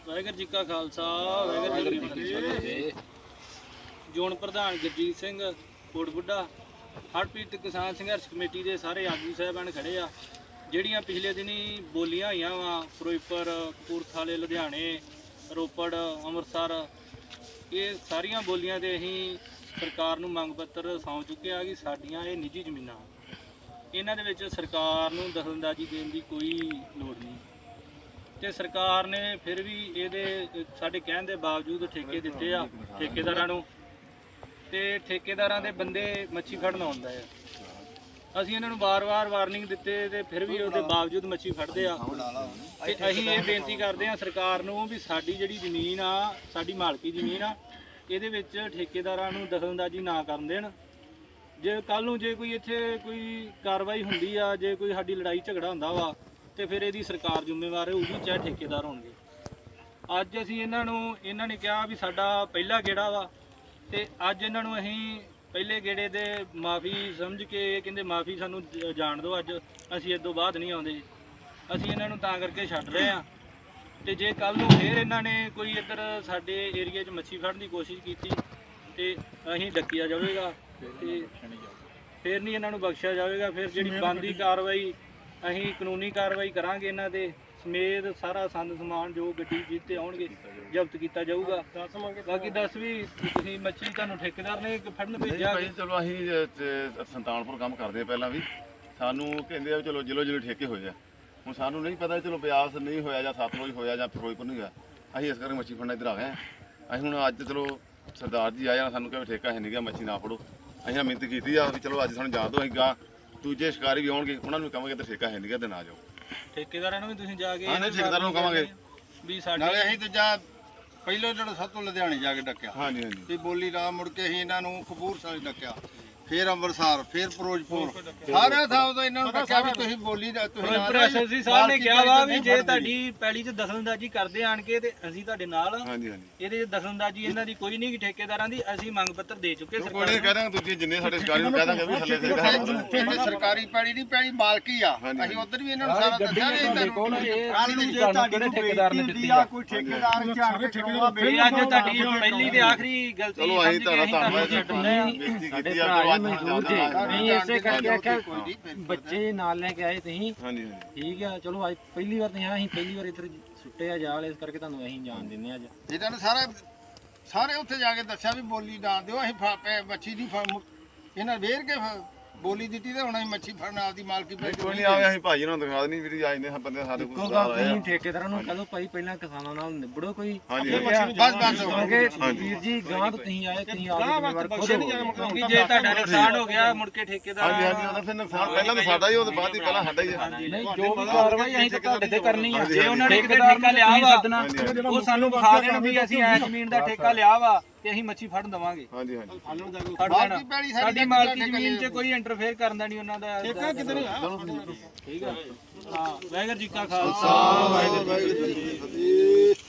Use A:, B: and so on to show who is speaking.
A: ਵਾਹਿਗੁਰੂ ਜੀ ਕਾ ਖਾਲਸਾ ਵਾਹਿਗੁਰੂ ਜੀ ਕੀ ਫਤਿਹ। ਜੋਨ ਪ੍ਰਧਾਨ ਗੁਰਜੀਤ ਸਿੰਘ ਕੋਟਬੁੱਢਾ ਹੜ੍ਹ ਪੀੜਤ ਕਿਸਾਨ ਸੰਘਰਸ਼ ਕਮੇਟੀ ਦੇ ਸਾਰੇ ਆਗੂ ਸਾਹਿਬਾਨ ਖੜੇ ਆ। ਜਿਹੜੀਆਂ ਪਿਛਲੇ ਦਿਨੀ ਬੋਲੀਆਂ ਹੋਈਆਂ ਵਾ ਫਿਰੋਜ਼ਪੁਰ, ਕਪੂਰਥਲੇ, ਲੁਧਿਆਣੇ, ਰੋਪੜ, ਅੰਮ੍ਰਿਤਸਰ, ਇਹ ਸਾਰੀਆਂ ਬੋਲੀਆਂ ਤੇ ਅਸੀਂ ਸਰਕਾਰ ਨੂੰ ਮੰਗ ਪੱਤਰ ਸੌਂਪ ਚੁੱਕੇ ਆ ਕਿ ਸਾਡੀਆਂ ਇਹ ਨਿੱਜੀ ਜ਼ਮੀਨਾਂ, ਇਹਨਾਂ ਦੇ ਵਿੱਚ ਸਰਕਾਰ ਨੂੰ ਦਖਲਅੰਦਾਜ਼ੀ ਦੇਣ ਦੀ ਕੋਈ ਲੋੜ ਨਹੀਂ। ਤੇ ਸਰਕਾਰ ਨੇ ਫਿਰ ਵੀ ਇਹਦੇ ਸਾਡੇ ਕਹਿਣ ਦੇ ਬਾਵਜੂਦ ਠੇਕੇ ਦਿੱਤੇ ਆ ਠੇਕੇਦਾਰਾਂ ਨੂੰ, ਤੇ ਠੇਕੇਦਾਰਾਂ ਦੇ ਬੰਦੇ ਮੱਛੀ ਫੜਨ ਆਉਂਦਾ ਆ। ਅਸੀਂ ਇਹਨਾਂ ਨੂੰ ਵਾਰ-ਵਾਰ ਵਾਰਨਿੰਗ ਦਿੱਤੇ ਤੇ ਫਿਰ ਵੀ ਉਹਦੇ ਬਾਵਜੂਦ ਮੱਛੀ ਫੜਦੇ ਆ। ਤੇ ਅਸੀਂ ਇਹ ਬੇਨਤੀ ਕਰਦੇ ਆ ਸਰਕਾਰ ਨੂੰ ਵੀ ਸਾਡੀ ਜਿਹੜੀ ਜ਼ਮੀਨ ਆ, ਸਾਡੀ ਮਾਲਕੀ ਜ਼ਮੀਨ ਆ, ਇਹਦੇ ਵਿੱਚ ਠੇਕੇਦਾਰਾਂ ਨੂੰ ਦਖਲਅੰਦਾਜ਼ੀ ਨਾ ਕਰਨ ਦੇਣ। ਜੇ ਕੱਲ ਨੂੰ ਜੇ ਕੋਈ ਇੱਥੇ ਕੋਈ ਕਾਰਵਾਈ ਹੁੰਦੀ ਆ, ਜੇ ਕੋਈ ਸਾਡੀ ਲੜਾਈ ਝਗੜਾ ਹੁੰਦਾ ਵਾ, ਤੇ ਫਿਰ ਇਹਦੀ ਸਰਕਾਰ ਜ਼ਿੰਮੇਵਾਰ ਹੋਊਗੀ, ਚਾਹੇ ਠੇਕੇਦਾਰ ਹੋਣਗੇ। ਅੱਜ ਅਸੀਂ ਇਹਨਾਂ ਨੇ ਕਿਹਾ ਵੀ ਸਾਡਾ ਪਹਿਲਾ ਗੇੜਾ ਵਾ, ਤੇ ਅੱਜ ਇਹਨਾਂ ਨੂੰ ਅਸੀਂ ਪਹਿਲੇ ਗੇੜੇ ਦੇ ਮਾਫੀ ਸਮਝ ਕੇ ਕਹਿੰਦੇ ਮਾਫੀ ਸਾਨੂੰ ਜਾਣ ਦਿਓ, ਅੱਜ ਅਸੀਂ ਇਸ ਤੋਂ ਬਾਅਦ ਨਹੀਂ ਆਉਂਦੇ। ਅਸੀਂ ਇਹਨਾਂ ਨੂੰ ਤਾਂ ਕਰਕੇ ਛੱਡ ਰਹੇ ਆ। ਤੇ ਜੇ ਕੱਲ ਨੂੰ ਫਿਰ ਇਹਨਾਂ ਨੇ ਕੋਈ ਇੱਧਰ ਸਾਡੇ ਏਰੀਆ 'ਚ ਮੱਛੀ ਫੜਨ ਦੀ ਕੋਸ਼ਿਸ਼ ਕੀਤੀ ਤੇ ਅਸੀਂ ਡੱਕਿਆ ਜਾਵੇਗਾ, ਤੇ ਫਿਰ ਨਹੀਂ ਇਹਨਾਂ ਨੂੰ ਬਖਸ਼ਿਆ ਜਾਵੇਗਾ। ਫਿਰ ਜਿਹੜੀ ਬਣਦੀ ਕਾਰਵਾਈ ਅਸੀਂ ਕਾਨੂੰਨੀ ਕਾਰਵਾਈ ਕਰਾਂਗੇ, ਇਹਨਾਂ ਦੇ ਸਮੇਤ ਸਾਰਾ ਸੰਦ ਸਮਾਨ ਜੋ ਗੱਡੀ ਜਿੱਤੇ ਆਉਣਗੇ ਜ਼ਬਤ ਕੀਤਾ ਜਾਊਗਾ। ਬਾਕੀ ਦੱਸ ਵੀ ਤੁਸੀਂ ਮੱਛੀ ਤੁਹਾਨੂੰ ਠੇਕੇਦਾਰ ਨੇ ਫੜਨ ਭੇਜਿਆ?
B: ਚਲੋ ਅਸੀਂ ਸੰਤਾਨਪੁਰ ਕੰਮ ਕਰਦੇ ਪਹਿਲਾਂ ਵੀ, ਸਾਨੂੰ ਕਹਿੰਦੇ ਆ ਚਲੋ ਜ਼ਿਲ੍ਹੇ ਠੇਕੇ ਹੋਏ ਆ। ਹੁਣ ਸਾਨੂੰ ਨਹੀਂ ਪਤਾ ਚਲੋ ਬਿਆਸ ਨਹੀਂ ਹੋਇਆ ਜਾਂ ਸਤਲੁਜ ਹੋਇਆ ਜਾਂ ਫਿਰੋਜ਼ਪੁਰ ਨਹੀਂ ਹੋਇਆ, ਅਸੀਂ ਇਸ ਕਰਕੇ ਮੱਛੀ ਫੜਨਾ ਇੱਧਰ ਆ ਗਏ। ਅਸੀਂ ਹੁਣ ਅੱਜ ਚਲੋ ਸਰਦਾਰ ਜੀ ਆਇਆ, ਸਾਨੂੰ ਕਹਿੰਦੇ ਠੇਕਾ ਹੈ ਨਹੀਂ ਗਿਆ, ਮੱਛੀ ਨਾ ਫੜੋ। ਅਸੀਂ ਮਿਹਨਤ ਕੀਤੀ ਆ ਵੀ ਚਲੋ ਅੱਜ ਸਾਨੂੰ ਜਾਣ ਦਿਓ, ਅਸੀਂ ਗਾਂ ਦੂਜੇ ਸ਼ਿਕਾਰੀ ਵੀ ਆਉਣਗੇ ਉਹਨਾਂ ਨੂੰ ਕਹਾਂਗੇ ਤੇ ਠੇਕਾ ਹੈ ਨਹੀਂ ਗਾ ਤੇ ਨਾ ਜਾਓ।
A: ਠੇਕੇਦਾਰਾਂ ਨੂੰ ਵੀ ਤੁਸੀਂ ਜਾ ਕੇ
B: ਠੇਕੇਦਾਰਾਂ ਨੂੰ ਕਹਾਂਗੇ
A: ਵੀ ਸਾਡੇ
C: ਨਾਲੇ ਅਸੀਂ ਦੂਜਾ ਪਹਿਲਾਂ ਜਿਹੜਾ ਸਭ ਤੋਂ ਲੁਧਿਆਣੇ ਜਾ ਕੇ ਡੱਕਿਆ,
B: ਹਾਂਜੀ ਹਾਂਜੀ,
C: ਤੇ ਬੋਲੀ ਰਾਹ ਮੁੜ ਕੇ ਅਸੀਂ ਇਹਨਾਂ ਨੂੰ ਕਪੂਰਥਲੇ ਡੱਕਿਆ, ਫਿਰ ਅੰਮ੍ਰਿਤਸਰ, ਫਿਰ ਫਿਰੋਜ਼ਪੁਰ, ਸਾਰੇ ਥਾਂ ਤੋਂ ਇਹਨਾਂ ਨੂੰ ਡੱਕਿਆ ਵੀ ਤੁਸੀਂ ਬੋਲੀ ਦਾ ਤੁਸੀਂ
A: ਐਸਐਸਸੀ ਸਾਹਿਬ ਨੇ ਕਿਹਾ ਵਾ ਵੀ ਜੇ ਤੁਹਾਡੀ ਪੈਲੀ 'ਚ ਦਖਲਅੰਦਾਜ਼ੀ ਕਰਦੇ ਆਣ ਕੇ ਤੇ ਅਸੀਂ ਤੁਹਾਡੇ ਨਾਲ।
B: ਹਾਂਜੀ ਹਾਂਜੀ,
A: ਇਹਦੇ 'ਚ ਦਖਲਅੰਦਾਜ਼ੀ ਇਹਨਾਂ ਦੀ ਕੋਈ ਨਹੀਂ, ਠੇਕੇਦਾਰਾਂ ਦੀ। ਅਸੀਂ ਮੰਗ ਪੱਤਰ ਦੇ ਚੁੱਕੇ
B: ਕੋਈ ਨਹੀਂ ਕਹਿ ਦਾਂਗੇ ਦੂਜੇ ਜਿੰਨੇ ਸਾਡੇ ਸ਼ਿਕਾਰੀ ਨੂੰ ਕਹਿ ਦਾਂਗੇ ਵੀ ਥੱਲੇ
C: ਇਹ ਸਰਕਾਰੀ ਪੈਲੀ ਨਹੀਂ, ਪੈਲੀ ਮਾਲਕੀ ਆ। ਅਸੀਂ ਉਧਰ ਵੀ ਇਹਨਾਂ ਨੂੰ ਸਾਰਾ ਦੱਸਿਆ ਵੀ
A: ਠੇਕੇਦਾਰ ਨੇ ਦਿੱਤੀ ਆ, ਕੋਈ ਠੇਕੇਦਾਰ ਝਾੜ ਕੇ ਠੇਕੇਦਾਰ ਬੇੜਾ ਅੱਜ ਤੁਹਾਡੀ ਪਹਿਲੀ ਤੇ ਆਖਰੀ ਗਲਤੀ
B: ਚਲੋ ਅਸੀਂ ਧੰਨਵਾਦ ਬੇਨਤੀ ਕੀਤੀ ਆ।
D: ਨਹੀਂ ਇਸੇ ਕਰਕੇ ਆਖਿਆ ਬੱਚੇ ਨਾਲ ਲੈ ਕੇ ਆਏ ਤੁਸੀਂ,
B: ਹਾਂਜੀ ਹਾਂਜੀ,
D: ਠੀਕ ਆ। ਚਲੋ ਅੱਜ ਪਹਿਲੀ ਵਾਰ ਨਹੀਂ, ਅਸੀਂ ਪਹਿਲੀ ਵਾਰ ਇੱਧਰ ਸੁੱਟੇ ਆ ਜਾਲ, ਇਸ ਕਰਕੇ ਤੁਹਾਨੂੰ ਅਸੀਂ ਜਾਣ ਦਿੰਦੇ ਅੱਜ।
C: ਇਹਨਾਂ ਨੇ ਸਾਰੇ ਉੱਥੇ ਜਾ ਕੇ ਦੱਸਿਆ ਵੀ ਬੋਲੀ ਨਾ ਦਿਓ, ਅਸੀਂ ਮੱਛੀ ਦੀ ਇਹਨਾਂ ਵੇਰ ਕੇ ਬੋਲੀ ਦਿੱਤੀ ਤੇ ਹੁਣ ਅਸੀਂ ਮੱਛੀ ਫੜਨ ਆਪਦੀ ਮਾਲਕੀ
B: ਕੋਈ ਨਹੀਂ ਆਵੇ, ਅਸੀਂ ਭਾਜੀ ਨੂੰ ਦਿਖਾ ਦੇਣੀ ਵੀਰ ਆਏ ਨੇ ਬੰਦੇ ਸਾਡੇ ਕੋਲ ਸਰਦਾਰ ਆਏ ਆ।
D: ਠੇਕੇਦਾਰਾਂ ਨੂੰ ਕਹੋ ਭਾਈ ਪਹਿਲਾਂ ਕਿਸਾਨਾਂ ਨਾਲ ਨਿਬੜੋ ਕੋਈ।
B: ਹਾਂਜੀ
C: ਬਸ
D: ਵੀਰ ਜੀ ਗਾਂ ਤੋਂ ਤੁਸੀਂ ਆਏ, ਤੁਸੀਂ ਆਪਦੀ ਜ਼ਿੰਮੇਵਾਰ ਖੁਦ ਹੋ।
A: ਕਿਉਂਕਿ ਜੇ ਤੁਹਾਡਾ ਨੁਕਸਾਨ ਹੋ ਗਿਆ ਮੁੜ ਕੇ ਠੇਕੇਦਾਰ
B: ਹਾਂਜੀ ਹਾਂਜੀ, ਉਹਦਾ ਫਿਰ ਨੁਕਸਾਨ ਪਹਿਲਾਂ ਤਾਂ ਸਾਡਾ ਹੀ, ਉਹਦੇ ਬਾਅਦ ਹੀ ਪਹਿਲਾਂ ਸਾਡਾ ਹੀ ਆ।
D: ਨਹੀਂ ਜੋ ਵੀ ਕਾਰਵਾਈ ਅਸੀਂ ਤਾਂ ਤੁਹਾਡੇ ਤੇ ਕਰਨੀ ਆ।
A: ਜੇ ਉਹਨਾਂ ਨੇ ਕਿਤੇ ਠੇਕਾ ਲਿਆ ਵਾ ਉਹ ਸਾਨੂੰ ਵਿਖਾ ਦੇਣ ਵੀ ਅਸੀਂ ਐ ਜ਼ਮੀਨ ਦਾ ਠੇਕਾ ਲਿਆ ਵਾ ਤੇ ਅਸੀਂ ਮੱਛੀ ਫੜਨ ਦਵਾਂਗੇ।
B: ਹਾਂਜੀ ਹਾਂਜੀ,
A: ਸਾਡੀ ਮਾਲਕੀ ਜ਼ਮੀਨ 'ਚ ਕੋਈ ਇੰਟਰਫੇਅਰ ਕਰਨ ਦਾ ਨਹੀਂ ਉਹਨਾਂ ਦਾ ਠੇਕਾ ਕਿਤੇ ਨਹੀਂ ਆ। ਠੀਕ ਆ, ਹਾਂ। ਵਾਹਿਗੁਰੂ ਜੀ ਕਾ ਖਾਲਸਾ ਵਾਹਿਗੁਰੂ ਜੀ ਕੀ ਫਤਿਹ।